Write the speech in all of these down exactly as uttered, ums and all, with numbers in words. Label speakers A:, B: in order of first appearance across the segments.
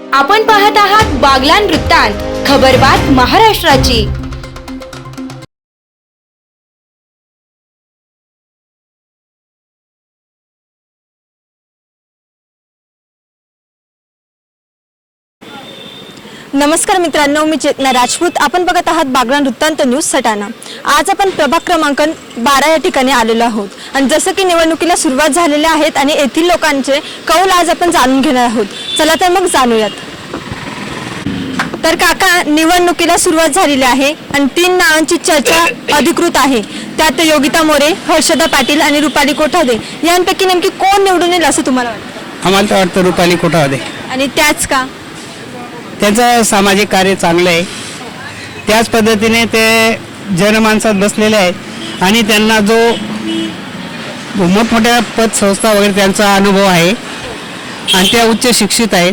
A: आपण पाहत आहात बागलाण वृत्तांत, खबरबात महाराष्ट्राची।
B: नमस्कार मित्रांनो, मी चेतना राजपूत। आपण बघत आहात बागलाण वृत्तांत न्यूज सटाणा। आज आपण प्रभाग क्रमांक बारा या ठिकाणी आलेलो आहोत आणि जसं की निवडणुकीला सुरुवात झालेल्या आहेत आणि येथील लोकांचे कौल आज आपण जाणून घेणार आहोत। चला तर मग जाणूयात। तर काका, निवडणुकीला सुरुवात झालेली आहे आणि तीन नावांची चर्चा अधिकृत आहे। त्यात योगिता मोरे, हर्षदा पाटील आणि रुपाली कोठावदे यांपैकी नेमकी कोण निवडून येईल असं तुम्हाला वाटतं?
C: आम्हाला तर वाटतं रुपाली कोठावदे।
B: आणि त्याच का?
C: त्यांचं सामाजिक कार्य चांगलं आहे, त्याच पद्धतीने ते जनमानसात बसलेले आहेत आणि त्यांना जो मोठमोठ्या पद संस्था वगैरे त्यांचा अनुभव आहे आणि त्या उच्च शिक्षित आहेत।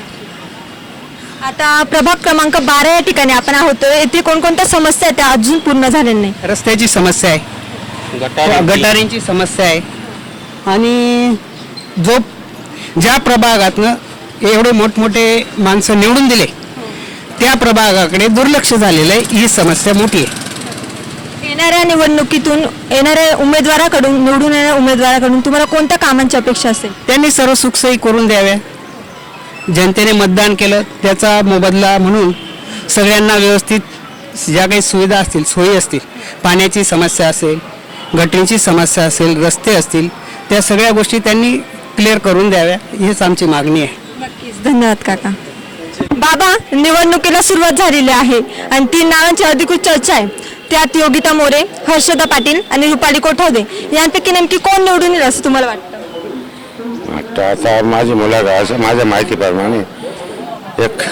B: आता प्रभाग क्रमांक बारा या ठिकाणी आपण आहोत। येथे कोणकोणत्या समस्या आहेत त्या अजून पूर्ण झालेल्या नाही?
C: रस्त्याची समस्या आहे, गटारींची समस्या आहे आणि जो ज्या प्रभागातनं एवढे मोठमोठे माणसं निवडून दिले त्या प्रभागाकडे दुर्लक्ष झालेलं आहे, ही समस्या मोठी आहे।
B: येणाऱ्या निवडणुकीतून येणाऱ्या उमेदवाराकडून निवडून येणाऱ्या उमेदवाराकडून तुम्हाला कोणत्या कामांची अपेक्षा असेल?
C: त्यांनी सर्व सुखसोयी करून द्याव्या। जनतेने मतदान केलं त्याचा मोबदला म्हणून सगळ्यांना व्यवस्थित ज्या काही सुविधा असतील, सोयी असतील, पाण्याची समस्या असेल, गटरींची समस्या असेल, रस्ते असतील, त्या सगळ्या गोष्टी त्यांनी क्लिअर करून द्याव्या, हीच आमची मागणी आहे।
B: नक्कीच, धन्यवाद काका। बाबा, निवडणुकीला सुरुवात झालेली आहे आणि तीन नावांची अधिकृत चर्चा आहे। त्यात योगिता मोरे, हर्षदा पाटील आणि रुपाली कोठावदे यांपैकी नेमकी कोण निवडून येईल असं तुम्हाला वाटतं?
D: आता माझी मुलाला असं माझ्या माहितीप्रमाणे एक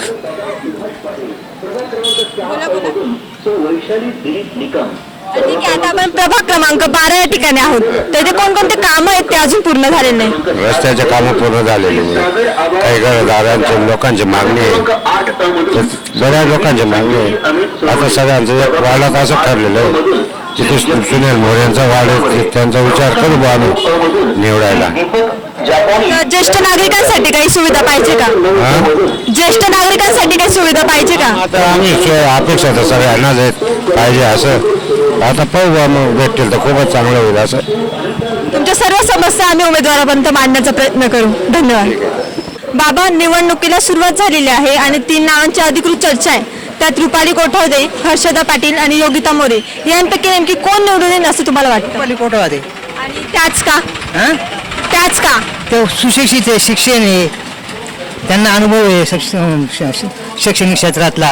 B: ठीक आहे। आता आपण प्रभाग क्रमांक बारा या ठिकाणी आहोत। त्याचे कोणकोणते कामं आहेत ते अजून पूर्ण झालेले नाही?
D: रस्त्याचे कामं पूर्ण झालेले नाही, काही घरदारांचे लोकांची मागणी आहे, बऱ्याच लोकांची मागणी आहे। आता सगळ्यांचं एक वाढत असं ठरलेलं आहे, तिथे सुनील मोरेंचा वाढ त्यांचा विचार करू बा आम्ही निवडायला।
B: ज्येष्ठ नागरिकांसाठी काही सुविधा पाहिजे का? ज्येष्ठ नागरिकांसाठी काही सुविधा पाहिजे का?
D: आता आम्ही अपेक्षा तर सगळ्यांनाच आहेत पाहिजे असं, आता पाहू बा मग भेटतील तर खूपच चांगलं होईल असं।
B: तुमच्या सर्व समस्या आम्ही उमेदवारापर्यंत मांडण्याचा प्रयत्न करू। धन्यवाद। बाबा, निवडणुकीला सुरुवात झालेली आहे आणि तीन नावांची अधिकृत चर्चा आहे। त्यात रुपाली कोठावदे, हर्षदा पाटील आणि योगिता मोरे यांपैकी नेमकी कोण निवडून येईल असं तुम्हाला वाटतं?
C: रुपाली कोठावदे।
B: आणि त्याच का? त्याच का?
C: ते सुशिक्षित आहे, शिक्षण आहे, त्यांना अनुभव आहे शैक्षणिक क्षेत्रातला।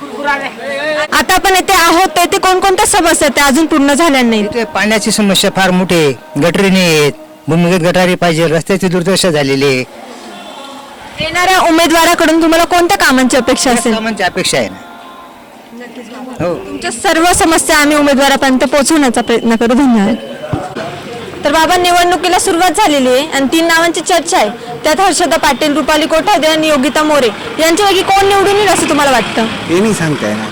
B: आता आपण येथे आहोत, तेथे कोणकोणत्या समस्या आहेत त्या अजून पूर्ण झाल्या नाही?
C: इथे पाण्याची समस्या फार मोठी आहे, गटरी नाही आहेत, भूमिगत गटारी पाहिजे, रस्त्याची दुर्दशा झालेली आहे।
B: येणाऱ्या उमेदवाराकडून तुम्हाला कोणत्या कामांची अपेक्षा असेल?
C: कामांची अपेक्षा आहे ना। हो,
B: तुमच्या सर्व समस्या आम्ही उमेदवारापर्यंत पोहोचवण्याचा प्रयत्न करू। धन्यवाद। तर बाबा, निवडणुकीला सुरुवात झालेली आहे आणि तीन नावांची चर्चा आहे। त्यात हर्षदा पाटील, रुपाली कोठावदे आणि योगिता मोरे यांच्यापैकी कोण निवडून येईल असं तुम्हाला वाटतं?
C: हे नाही सांगताय ना।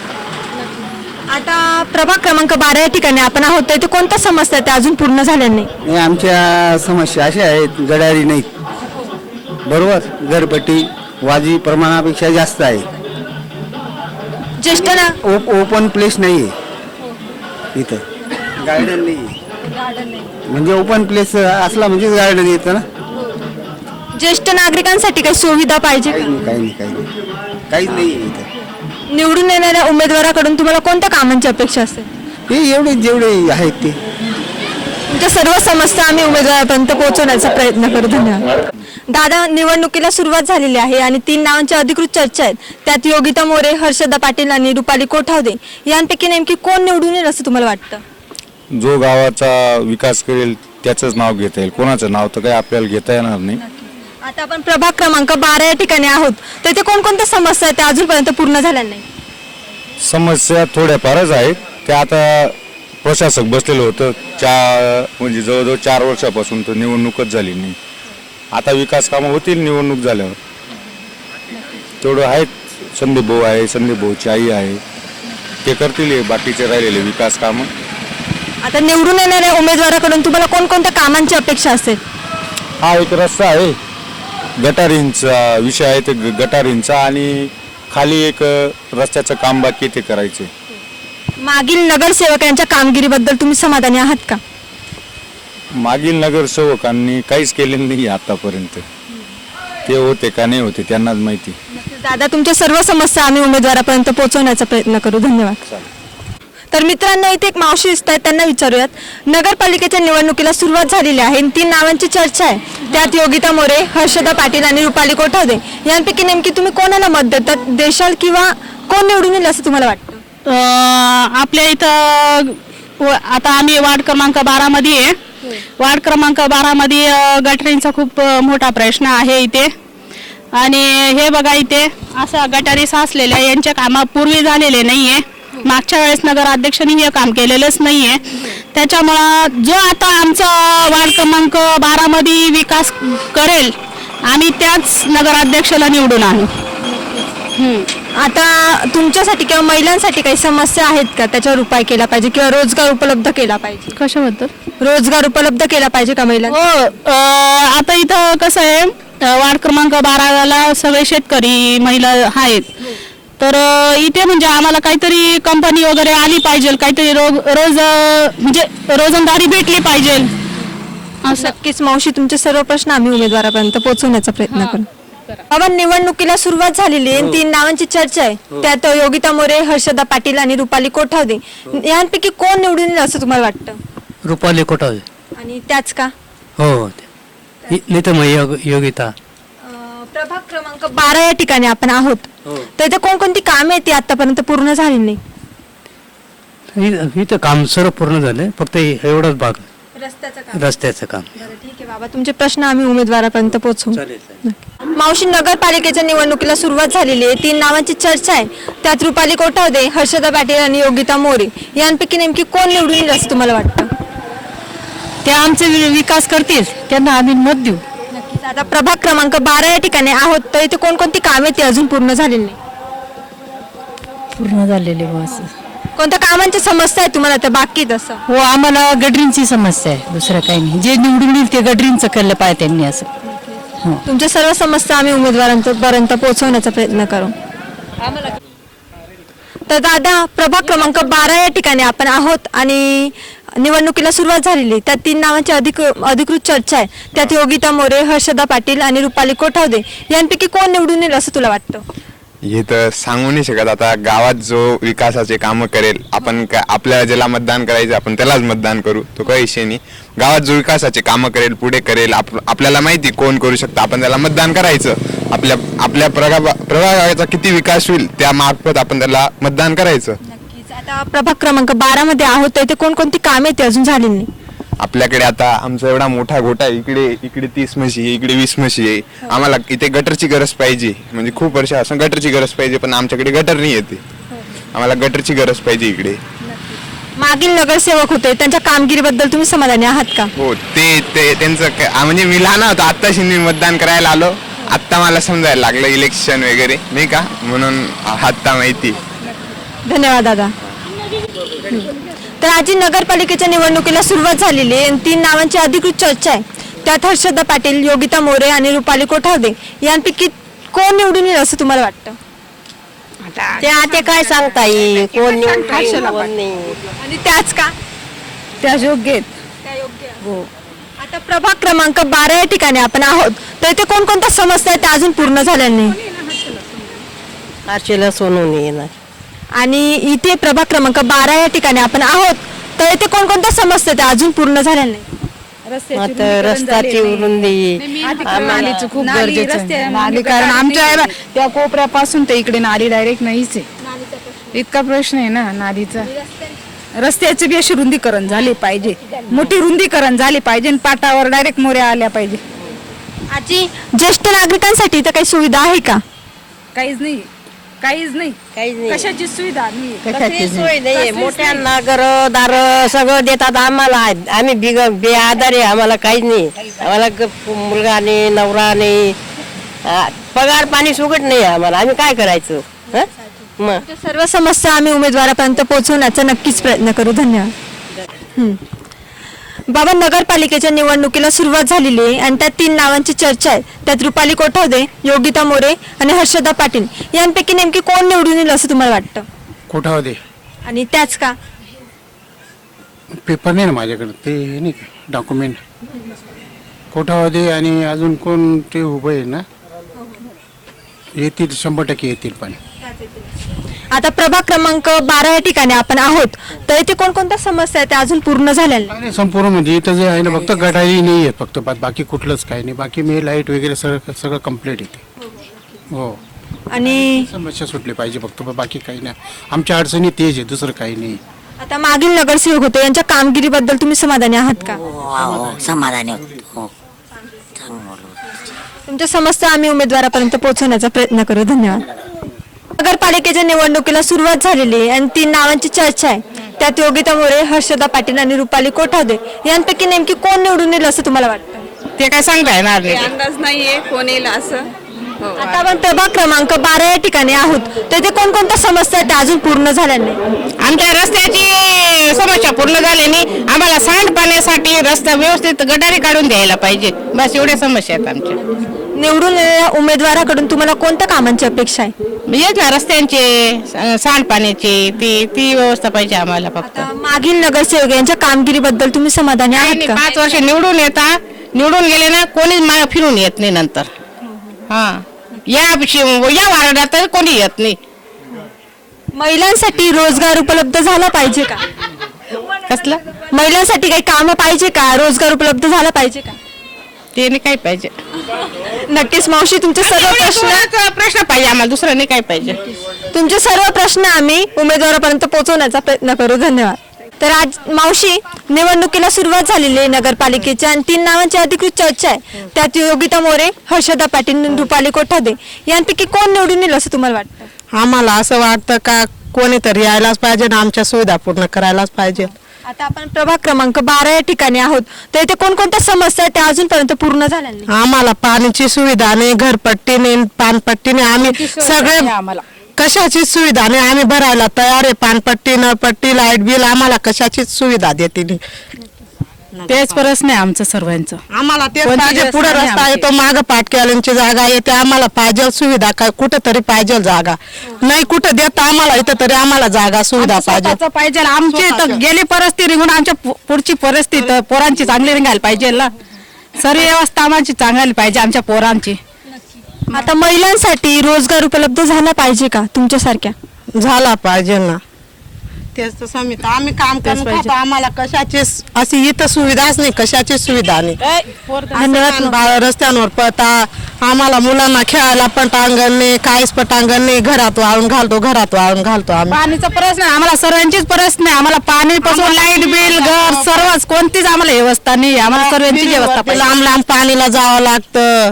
B: आता प्रभाग क्रमांक बारा या ठिकाणी आपण आहोत, तेथे कोणत्या समस्या आहेत त्या अजून पूर्ण झाल्या नाही?
E: आमच्या समस्या अशा आहेत, गडारी नाहीत, बरोबर, घरपट्टी वाजी प्रमाणापेक्षा जास्त आहे,
B: ज्येष्ठ ना
E: ओप ओपन प्लेस नाही आहे, इथं गार्डन नाही आहे, म्हणजे ओपन प्लेस असला म्हणजे गार्डन येतं ना।
B: ज्येष्ठ नागरिकांसाठी काही सुविधा पाहिजे का?
E: काही नाही काही नाही काही नाही काहीच नाही आहे इथं।
B: निवडून येणाऱ्या उमेदवाराकडून तुम्हाला कोणत्या कामांची अपेक्षा असेल?
E: हे एवढे जेवढे आहेत ते
B: तुमच्या सर्व समस्या आम्ही उमेदवारापर्यंत पोहोचवण्याचा प्रयत्न करू। धन्यवाद। दादा, निवडणुकीला सुरुवात झालेली आहे आणि तीन नावांची अधिकृत चर्चा आहेत। त्यात योगिता मोरे, हर्षदा पाटील आणि रुपाली कोठावदे यांपैकी नेमकी कोण निवडून येईल असं तुम्हाला वाटतं?
F: जो गावाचा विकास करेल त्याचंच नाव घेता येईल, कोणाचं नाव तर काही आपल्याला घेता येणार नाही।
B: आता आपण प्रभाग क्रमांक बारा या ठिकाणी आहोत, तेथे कोणकोणत्या समस्या आहेत त्या अजूनपर्यंत पूर्ण झाल्या नाही?
F: समस्या थोड्याफारच आहेत, त्या आता प्रशासक बसलेलं होतं चार म्हणजे जवळजवळ चार वर्षापासून तर निवडणूकच झाली नाही। आता विकास कामं होतील निवडणूक झाल्यावर, तेवढं आहेत। संदीप भाऊ आहे, संदीप भाऊची आई आहे, ते करतील बाकीचे राहिलेले विकास कामं।
B: आता निवडून येणाऱ्या उमेदवाराकडून तुम्हाला कोणकोणत्या कामांची अपेक्षा असेल?
F: हा एक रस्ता आहे, गटारींचा विषय आहे ते ग- गटारींचा आणि खाली एक अ, रस्त्याचं काम बाकी ते करायचे.
B: मागील नगरसेवकांच्या कामगिरीबद्दल तुम्ही समाधानी आहात का?
F: मागील नगरसेवकांनी काहीच केलेलं नाही आतापर्यंत. ते होते का नाही होते त्यांनाच माहिती.
B: दादा, तुमच्या सर्व समस्या आम्ही उमेदवारापर्यंत पोहोचवण्याचा प्रयत्न करू. धन्यवाद. तर मित्रांनो, इथे एक मावशी दिसत आहेत, त्यांना विचारूयात. नगरपालिकेच्या निवडणुकीला सुरुवात झालेली आहे. तीन नावांची चर्चा आहे, त्यात योगिता मोरे, हर्षदा पाटील आणि रुपाली कोठावदे. यांपैकी नेमकी तुम्ही कोणाला मत देतात देशाल किंवा कोण निवडून येईल असं तुम्हाला वाटतं?
G: आपल्या इथं व- आता आम्ही वार्ड क्रमांक बारा मध्ये आहे. वार्ड क्रमांक बारा मध्ये अ, गटारींचा खूप अ, मोठा प्रश्न आहे इथे. आणि हे बघा, इथे अशा गटारी साचलेल्या यांच्या कामा पूर्वी झालेले नाहीये. मागच्या वेळेस नगराध्यक्षांनी हे काम केलेलंच नाहीये. त्याच्यामुळं जो आता आमचा वार्ड क्रमांक बारा मध्ये विकास करेल, आम्ही त्याच नगराध्यक्षाला निवडून आणू.
B: आता तुमच्यासाठी किंवा महिलांसाठी काही समस्या आहेत का, त्याच्यावर उपाय केला पाहिजे किंवा रोजगार उपलब्ध केला पाहिजे?
G: कशाबद्दल?
B: रोजगार उपलब्ध केला पाहिजे का महिलांना?
G: हो. अ, आता इथं कसं आहे, अ, वार्ड क्रमांक बाराला सगळे शेतकरी महिला आहेत. तर अ, इथे म्हणजे आम्हाला काहीतरी कंपनी वगैरे आली पाहिजे, काहीतरी रोज रोज अ, म्हणजे रोजंदारी भेटली पाहिजे. असं
B: नक्कीच मावशी, तुमचे सर्व प्रश्न आम्ही उमेदवारापर्यंत पोहोचवण्याचा प्रयत्न करू. बाबा, निवडणुकीला सुरुवात झालेली आहे. तीन नावांची चर्चा आहे, त्यात योगिता मोरे, हर्षदा पाटील आणि रुपाली कोठावदे. यांपैकी कोण निवडून येईल असं तुम्हाला वाटतं?
C: रुपाली कोठावदे.
B: आणि त्याच का?
C: हो, नाही तर मग योग योगिता.
B: अं, प्रभाग क्रमांक बारा या ठिकाणी आपण आहोत. तर इथे कोणकोणती कामे आहेत ती आतापर्यंत पूर्ण झाली नाही?
C: इ- इथं काम सर्व पूर्ण झालं, फक्त एवढाच भाग
B: रस्त्याचं काम.
C: रस्त्याचं काम.
B: बरं, ठीक आहे बाबा, तुमचे प्रश्न आम्ही उमेदवारापर्यंत पोहोचवू. मावशी, नगरपालिकेच्या निवडणुकीला सुरुवात झालेली आहे. तीन नावांची चर्चा आहे, त्यात रुपाली कोठावदे, हर्षदा पाटील आणि योगिता मोरे. यांपैकी नेमकी कोण निवडून येईल असं तुम्हाला वाटतं?
G: ते आमचे विकास करतील, त्यांना आम्ही मत देऊ.
B: नक्कीच. आता प्रभाग क्रमांक बारा या ठिकाणी आहोत, तर इथे कोणकोणती कामे ती अजून पूर्ण झालेली नाही?
G: पूर्ण झालेले बस.
B: कोणत्या कामांची समस्या आहे तुम्हाला तर बाकी तसं?
G: हो, आम्हाला गटरींची समस्या आहे, दुसरं काही नाही. जे निवडून येईल ते गटरींचं केलं पाहिजे त्यांनी. असं
B: तुमच्या सर्व समस्या आम्ही उमेदवारांपर्यंत पोहोचवण्याचा प्रयत्न करू. तर दादा, प्रभाग क्रमांक बारा या ठिकाणी आपण आहोत आणि निवडणुकीला सुरुवात झालेली आहे. त्यात तीन नावांची अधिक अधिकृत चर्चा आहे, त्यात योगिता मोरे, हर्षदा पाटील आणि रुपाली कोठावदे. यांपैकी कोण निवडून येईल असं तुला वाटतं?
H: हे तर सांगू नाही शकत. आता गावात जो विकासाचे कामं करेल, आपण का आपल्याला ज्याला मतदान करायचं आपण त्यालाच मतदान करू, तो काही विषय नाही. गावात जो विकासाचे कामं करेल, पुढे करेल, आप आपल्याला माहिती कोण करू शकतं, आपण त्याला मतदान करायचं. आपल्या आपल्या प्रगा प्रभागाचा किती विकास होईल त्या मार्फत आपण त्याला मतदान करायचं.
B: नक्कीच. आता प्रभाग क्रमांक बारा मध्ये आहोत, तर इथे कोणकोणती कामे ती अजून झालेली नाही?
H: आपल्याकडे आता आमचा एवढा मोठा गोठा आहे, इकडे इकडे तीस म्हशी आहे, इकडे वीस म्हशी आहे. आम्हाला इथे गटरची गरज पाहिजे, म्हणजे खूप वर्ष असं गटरची गरज पाहिजे, पण आमच्याकडे गटर नाही येते. आम्हाला गटरची गरज पाहिजे इकडे.
B: मागील नगरसेवक होते, त्यांच्या कामगिरीबद्दल तुम्ही समाधानी आहात का?
H: हो, ते ते त्यांचं क- आ, म्हणजे मी लहान होतो, आत्ताशी मी मतदान करायला आलो, आत्ता मला समजायला लागलं इलेक्शन वगैरे, नाही का, म्हणून आत्ता माहिती.
B: धन्यवाद दादा. तर आजी, नगरपालिकेच्या निवडणुकीला सुरुवात झालेली आहे आणि तीन नावांची अधिकृत चर्चा आहे, त्यात हर्षदा पाटील, योगिता मोरे आणि रुपाली कोठावदे. यांपैकी कोण निवडून येईल असं तुम्हाला वाटतं?
I: ते आता काय सांगता येईल, कोण निवडून कोण नाही.
B: आणि त्याच का?
G: त्या योग्य
B: हो. आता प्रभाग क्रमांक बारा या ठिकाणी आपण आहोत, तर इथे कोणकोणत्या समस्या आहेत त्या अजून पूर्ण झाल्या नाही?
I: आरशेला सोनून येणार.
B: आणि इथे प्रभाग क्रमांक बारा या ठिकाणी आपण आहोत, तर इथे कोणकोणत्या समस्या त्या अजून पूर्ण झाल्या नाही?
I: आता रस्त्याची रुंदी
G: नालीचं खूप गरजेचं आहे. नाली, कारण आमच्या त्या कोपऱ्यापासून ते इकडे नाली डायरेक्ट नाहीच आहे. इतका प्रश्न आहे ना नालीचा. रस्त्याची बी अशी रुंदीकरण झाली पाहिजे, मोठी रुंदीकरण झाली पाहिजे आणि पाटावर डायरेक्ट मोऱ्या आल्या पाहिजे.
B: आजी, ज्येष्ठ नागरिकांसाठी इथं काही सुविधा आहे का?
G: काहीच नाही, काहीच नाही,
I: काहीच नाही.
G: कशाची सुविधा नाही.
I: कशाची सोय नाही. मोठ्यांना घर दार सगळं देतात आम्हाला. आम्ही बिग बेआधार आहे, आम्हाला काहीच नाही. आम्हाला ग- मुलगा नाही, नवरा नाही, आ, पगार पाणी सुगट नाही आम्हाला. आम्ही काय करायचं? हं? मग
B: त्या सर्व समस्या आम्ही उमेदवारापर्यंत पोहोचवण्याचा नक्कीच प्रयत्न करू. धन्यवाद. हम्म. बाबा, नगरपालिकेच्या निवडणुकीला सुरुवात झालेली आहे आणि त्यात तीन नावांची चर्चा आहे. त्यात रुपाली कोठावदे, योगिता मोरे आणि हर्षदा पाटील यांपैकी नेमकी कोण निवडून येईल असं तुम्हाला वाटतं?
E: कोठावदे.
B: आणि त्याच का?
E: पेपर नाही ना माझ्याकडे, ते हे नाही का डॉक्युमेंट. कोठावदे आणि अजून कोण ते उभं आहे ना, येतील, शंभर टक्के येतील. पण
B: आता प्रभाग क्रमांक बारा या ठिकाणी आपण आहोत, तर इथे कोणकोणत्या समस्या आहेत त्या अजून पूर्ण झालेल्या नाही?
E: नाही, संपूर्ण म्हणजे इथं जे आहे ना, फक्त गटारी नाही आहेत फक्त, बा- बाकी कुठलंच काही नाही. बाकी मी लाईट वगैरे सगळं सगळं कम्प्लीट येते. हो,
B: आणि
E: समस्या सुटली पाहिजे फक्त, बा- बाकी काही नाही. आमच्या अडचणी तेच आहे, दुसरं काही नाही.
B: आता मागील नगरसेवक होते, यांच्या कामगिरीबद्दल तुम्ही समाधानी आहात का?
J: समाधानी होतो.
B: तुमच्या समस्या आम्ही उमेदवारापर्यंत पोहोचवण्याचा प्रयत्न करू. धन्यवाद. नगरपालिकेच्या निवडणुकीला सुरुवात झालेली आहे आणि तीन नावांची चर्चा आहे. त्यात योगिता मोरे, हर्षदा पाटील आणि रुपाली कोठावदे यांपैकी नेमकी कोण निवडून येईल असं तुम्हाला वाटतं?
G: ते काय सांगता येणार नाही.
K: अंदाज नाहीये कोण येईल असं.
B: आता आपण प्रभाग क्रमांक बारा या ठिकाणी आहोत, तर इथे कोणकोणत्या समस्या आहेत त्या अजून पूर्ण झाल्या नाही?
G: आमच्या रस्त्याची समस्या पूर्ण झाली नाही. आम्हाला सांडपाण्यासाठी रस्ता व्यवस्थित गटारी काढून द्यायला पाहिजे. बस एवढ्या समस्या आहेत आमच्या.
B: निवडून येणाऱ्या उमेदवाराकडून तुम्हाला कोणत्या कामांची अपेक्षा आहे?
G: येत ना रस्त्यांचे, सांडपाण्याची, ती ती व्यवस्था पाहिजे आम्हाला फक्त.
B: आता मागील नगरसेवक यांच्या कामगिरीबद्दल तुम्ही समाधानी आहात
G: नाही,
B: का?
G: पाच वर्ष निवडून येता, निवडून गेले ना कोणीच मागे फिरून येत नाही नंतर. हा, या या वार्डात तर कोणी येत नाही.
B: महिलांसाठी रोजगार उपलब्ध झाला पाहिजे का?
G: कसलं
B: महिलांसाठी काही काम पाहिजे का? रोजगार उपलब्ध झाला पाहिजे का?
G: ते नाही काय पाहिजे.
B: नक्कीच मावशी, तुमचे सर्व प्रश्न
G: प्रश्न पाहिजे आम्हाला, दुसरं नाही काय पाहिजे.
B: तुमचे सर्व प्रश्न आम्ही उमेदवारापर्यंत पोहोचवण्याचा प्रयत्न करू. धन्यवाद. तर आज मावशी, निवडणुकीला सुरुवात झालेली आहे नगरपालिकेच्या आणि तीन नावांची अधिकृत चर्चा आहे. त्यात योगिता मोरे, हर्षदा पाटील आणि रुपाली कोठावदे यांपैकी कोण निवडून येईल असं तुम्हाला वाटतं?
G: आम्हाला असं वाटतं का कोणीतरी यायलाच पाहिजे ना, आमच्या सुविधा पूर्ण करायलाच पाहिजे.
B: आता आपण प्रभाग क्रमांक बारा या ठिकाणी आहोत, तर इथे कोणकोणत्या समस्या आहेत त्या अजूनपर्यंत पूर्ण झाल्या नाही?
G: आम्हाला पाण्याची सुविधा नाही, घरपट्टी नाही, पानपट्टी नाही. आम्ही सगळे कशाची सुविधा नाही. आम्ही भरायला तयार आहे, पानपट्टी, नळपट्टी, लाईट बिल, आम्हाला कशाचीच सुविधा देते नाही.
K: तेच प्रश्न आहे आमचं सर्वांचं.
G: आम्हाला तेच
K: कोणती
G: पाहिजे.
K: व्यवस्था
G: पुढे
K: नाही
G: रस्ता
K: आमची.
G: येतो, माग पाटक्यालांची जागा येते, आम्हाला पाहिजे सुविधा. काय कुठं तरी पाहिजे जागा, नाही कुठं देत आम्हाला, इथं तरी आम्हाला जागा सुविधा पाहिजे.
K: स्वतःचं पाहिजे. आमची तर गेली परिस्थिती निघून आमच्या पु- पुढची परिस्थिती पोरांची चांगली निघायला पाहिजे ना. सर्व व्यवस्था आम्हाला चांगली पाहिजे आमच्या पोरांची.
B: आता महिलांसाठी रोजगार उपलब्ध झाला पाहिजे का तुमच्यासारख्या?
G: झाला पाहिजे ना. तेच तर समित आम्ही काम करून खातो, आम्हाला कशाचीच अशी इथं सुविधाच नाही, कशाचीच सुविधा नाही.
B: धन्यवाद.
G: बा- रस्त्यांवर पळता, आम्हाला मुलांना खेळायला पटांगण नाही, काहीच पटांगण नाही. घरात वाळून घालतो, घरात वाळून घालतो आम्ही.
K: पाणीचा प्रश्न आहे आम्हाला, सर्वांचीच प्रश्न आहे आम्हाला. पाणी पासून लाईट बिल, घर, सर्वच कोणतीच आम्हाला व्यवस्था नाही. आम्हाला सर्वांची व्यवस्था पाहिजे.
G: लांब लांब पाणीला जावं लागतं.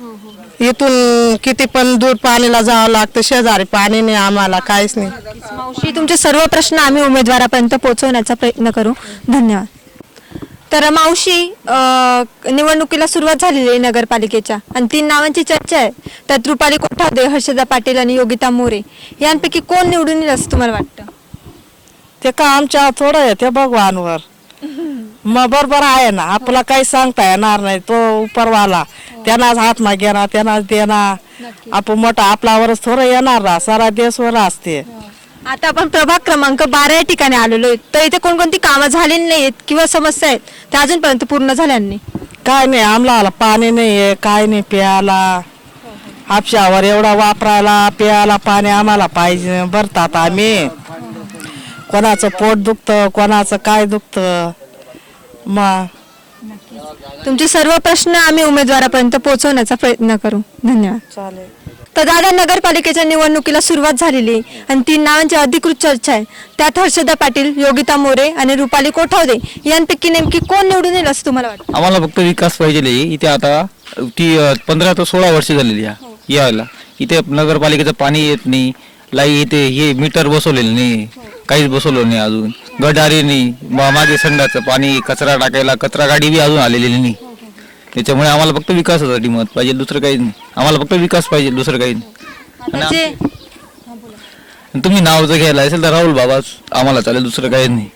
G: इथून किती पण दूर पाणीला जावं लागतं. शेजारी पाणी नाही, आम्हाला काहीच नाही.
B: मावशी, तुमचे सर्व प्रश्न आम्ही उमेदवारापर्यंत पोहोचवण्याचा प्रयत्न करू. धन्यवाद. तर मावशी, अं, निवडणुकीला सुरुवात झालेली आहे नगरपालिकेच्या आणि तीन नावांची चर्चा आहे. त्यात रुपाली कोठावदे, हर्षदा पाटील आणि योगिता मोरे यांपैकी कोण निवडून येईल असं तुम्हाला वाटतं?
G: ते का आमच्या थोडं आहे ते भगवानवर. मग बरोबर आहे ना, आपला काही सांगता येणार नाही. तो उपरवाला त्यांनाच हातमा घेणार, त्यांनाच देणार. आपण मोठा आपल्यावरच थोडं येणार ना, सारा देशवर असते.
B: आता आपण प्रभाग क्रमांक बारा या ठिकाणी आलेलो आहे, तर इथे कोणकोणती कामं झालेली नाहीत किंवा समस्या आहेत त्या अजूनपर्यंत पूर्ण झाल्या नाही?
G: काय नाही, आम्हाला पाणी नाही, काय नाही प्यायला. हापशावर एवढा वापरायला, प्यायला पाणी आम्हाला पाहिजे. भरतात आम्ही, कोणाचं पोट दुखतं, कोणाचं काय दुखतं. मग
B: तुमचे सर्व प्रश्न आम्ही उमेदवारापर्यंत पोहोचवण्याचा प्रयत्न करू. धन्यवाद.
G: चालेल.
B: तर दादा, नगरपालिकेच्या निवडणुकीला सुरुवात झालेली आहे आणि तीन नावांची अधिकृत चर्चा आहे. त्यात हर्षदा पाटील, योगिता मोरे आणि रुपाली कोठावदे यांपैकी नेमकी कोण निवडून येईल असं तुम्हाला वाटतं?
L: आम्हाला फक्त विकास पाहिजे. इथे आता ती पंधरा ते सोळा वर्ष झालेली आहे यायला. इथे नगरपालिकेचं पाणी येत नाही, लाई इथे हे मीटर बसवलेलं नाही, काहीच बसवलं नाही अजून. गटारी नाही, मा- मागे संडाचं पाणी, कचरा टाकायला कचरा गाडी बी अजून आलेली नाही. त्याच्यामुळे आम्हाला फक्त विकासासाठी मत पाहिजे, दुसरं काही नाही. आम्हाला फक्त विकास पाहिजे, दुसरं काही नाही.
B: आता जे
L: आणि तुम्ही नाव जर घ्यायला असेल तर राहुल बाबाच आम्हाला चालेल, दुसरं काही नाही.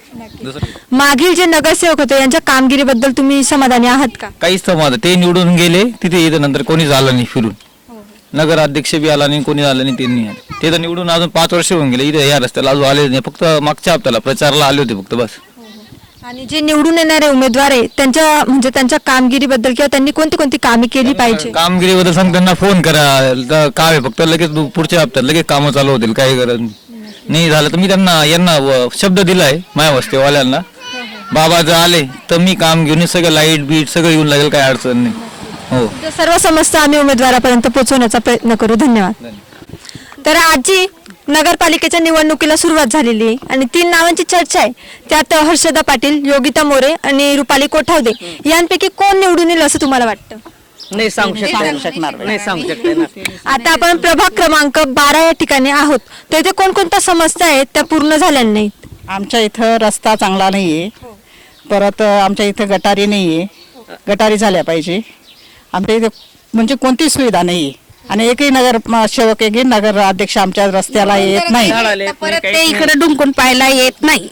L: दुसरं
B: मागील जे नगरसेवक होते यांच्या कामगिरीबद्दल तुम्ही समाधानी आहात का?
L: काहीच समाधान, ते निवडून गेले तिथे इथं नंतर कोणी झालं नाही फिरून. नगर अध्यक्ष बी आला नाही, कोणी आलं नाही, त्यांनी आले. ते तर निवडून अजून पाच वर्ष होऊन गेले, इथे या रस्त्याला अजून आले नाही. फक्त मागच्या हप्त्याला प्रचाराला आले होते फक्त, बस.
B: आणि जे निवडून येणारे उमेदवार आहे त्यांच्या म्हणजे त्यांच्या कामगिरीबद्दल किंवा त्यांनी कोणती कोणती कामे केली पाहिजे?
L: कामगिरीबद्दल सांग, त्यांना फोन करा, तर काम आहे फक्त, लगेच दु- पुढच्या हप्त्यात लगेच कामं चालू होतील. काही गरज नाही झालं तर मी त्यांना यांना व- शब्द दिलाय माया वस्तीवाल्यांना, बाबा जर आले तर मी काम घेऊन सगळं लाईट बीट सगळं येऊन लागेल, काही अडचण नाही. हो,
B: तर सर्व समस्या आम्ही उमेदवारापर्यंत पोहोचवण्याचा प्रयत्न करू. धन्यवाद. तर आजी, नगरपालिकेच्या निवडणुकीला सुरुवात झालेली आहे आणि तीन नावांची चर्चा आहे. त्यात हर्षदा पाटील, योगिता मोरे आणि रुपाली कोठावदे यांपैकी कोण निवडून येईल असं तुम्हाला वाटतं?
K: नाही सांगू शकणार नाही सांगू शकणार.
B: आता आपण प्रभाग क्रमांक बारा या ठिकाणी आहोत. तर इथे कोणकोणत्या समस्या आहेत त्या पूर्ण झाल्या नाहीत?
K: आमच्या इथं रस्ता चांगला नाहीये, परत आमच्या इथं गटारी नाहीये, गटारी झाल्या पाहिजे. आमच्या इथे म्हणजे कोणतीच सुविधा नाहीये आणि एकही नगर म- सेवक एकही नगर अध्यक्ष आमच्या रस्त्याला येत नाही.
G: परत ते इकडे डुंकून पाहायला येत नाही,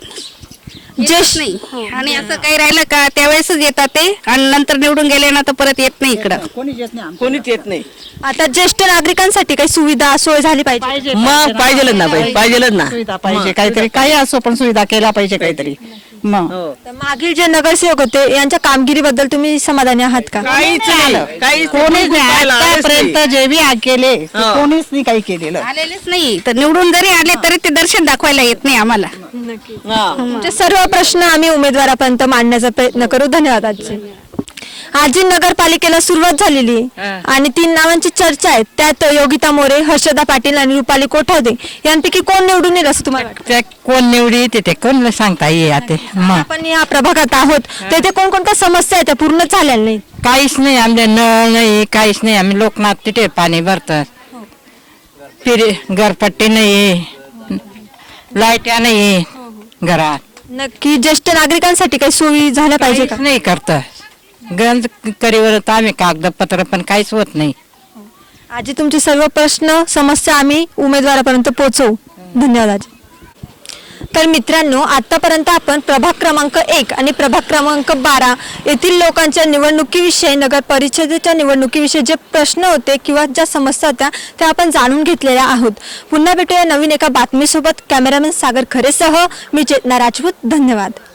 G: येत नाही. आणि असं काही राहिलं का त्यावेळेसच येतात ते आणि नंतर निवडून गेले ना तर परत येत नाही इकडं.
K: कोणीच येत नाही.
B: आता ज्येष्ठ नागरिकांसाठी काही सुविधा सोय झाली पाहिजे.
K: मग पाहिजेलच ना बाई, पाहिजेलच ना सुविधा पाहिजे काहीतरी, काही असो पण सुविधा केला पाहिजे काहीतरी. मग
B: तर मागील जे नगरसेवक होते यांच्या कामगिरीबद्दल तुम्ही समाधानी आहात का?
K: काहीच नाही, काही कोणीच नाही. आतापर्यंत जे बी आ- केले ते कोणीच नाही काही केलेलं.
G: आलेलेच नाही, तर निवडून जरी आले तरी ते दर्शन दाखवायला येत नाही आम्हाला.
B: तुमचे सर्व प्रश्न आम्ही उमेदवारापर्यंत मांडण्याचा प्रयत्न करू. धन्यवाद आजी. आजी, नगरपालिकेला सुरुवात झालेली आहे आणि तीन नावांची चर्चा आहे. त्यात योगिता मोरे, हर्षदा पाटील आणि रुपाली कोठावदे यांपैकी कोण निवडून येईल असं तुम्हाला वाटतं?
K: कोण निवडी येते ते कोण सांगता येते.
B: आपण या प्रभागात आहोत, तेथे कोणकोणत्या समस्या आहेत त्या पूर्ण झाल्या नाही?
K: काहीच नाही, आमच्या नळ नाही, काहीच नाही. आम्ही लोकनाथ तिथे पाणी भरतात, फिरे घरपट्टी नाही, लाईट्या नाही घरात.
B: नक्की ज्येष्ठ नागरिकांसाठी काही सोयी झाल्या पाहिजे का?
K: नाही करत गंज करीवर आम्ही कागदपत्र पण काहीच होत नाही.
B: आजी, तुमचे सर्व प्रश्न समस्या आम्ही उमेदवारापर्यंत पोहोचवू. धन्यवाद आजी. तर मित्रांनो, आतापर्यंत आपण प्रभाग क्रमांक एक आणि प्रभाग क्रमांक बारा येथील लोकांच्या निवडणुकीविषयी, नगर परिषदेच्या निवडणुकीविषयी जे प्रश्न होते किंवा ज्या समस्या होत्या त्या आपण जाणून घेतलेल्या आहोत. पुन्हा भेटूया नवीन एका बातमीसोबत. कॅमेरामॅन सागर खरेसह मी चेतना राजपूत. धन्यवाद.